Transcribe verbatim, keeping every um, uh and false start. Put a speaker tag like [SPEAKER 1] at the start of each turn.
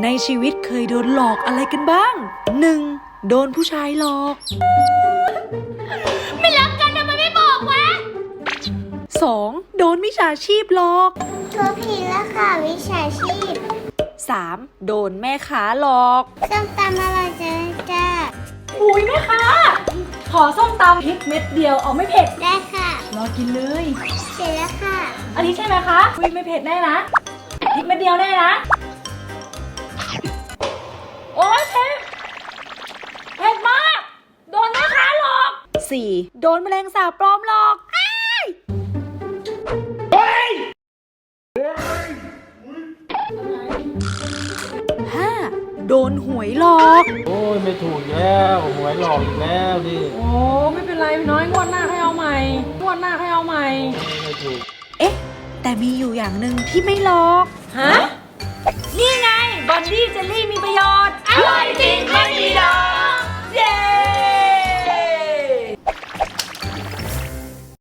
[SPEAKER 1] ในชีวิตเคยโดนหลอกอะไรกันบ้าง หนึ่ง โดนผู้ชายหลอก
[SPEAKER 2] ไม่รักกันทำไมไม่บอกวะ
[SPEAKER 1] สอง โดนมิจฉาชีพหลอก
[SPEAKER 2] ตัวผิดแล้วค่ะวิชาชีพ
[SPEAKER 1] สาม โดนแม่ค้าหลอก
[SPEAKER 2] ส้มตำอร่อยจังจ้า
[SPEAKER 3] อุ้ยแม่ค้าขอส้มตำพริกเม็ดเดียวเอาไม่เผ็ด
[SPEAKER 2] ได้ค่ะ
[SPEAKER 3] รอกินเลย
[SPEAKER 2] เสร็จแล้วค่ะ
[SPEAKER 3] อันนี้ใช่ไหมคะอุ้ยไม่เผ็ดแน่นะพริกเม็ดเดียวแน่นะโอ๊ยเผ็ดเผ็ดมากโดนแม่ค้าหลอก
[SPEAKER 1] สี่ โดนแมลงสาบปลอมหลอก ห้า โดนหวยหลอก
[SPEAKER 4] โอ้ยไม่ถูกแล้วหวยหลอกอีกแล้วดิ
[SPEAKER 3] โอ้ไม่เป็นไรพี่น้อยงวดหน้าให้เอาใหม่งวดหน้าให้เอาใหม่
[SPEAKER 4] ไม่ถูก
[SPEAKER 1] เอ๊ะ แต่มีอยู่อย่างหนึ่งที่ไม่หลอก
[SPEAKER 3] ฮะนี่ไงบัตร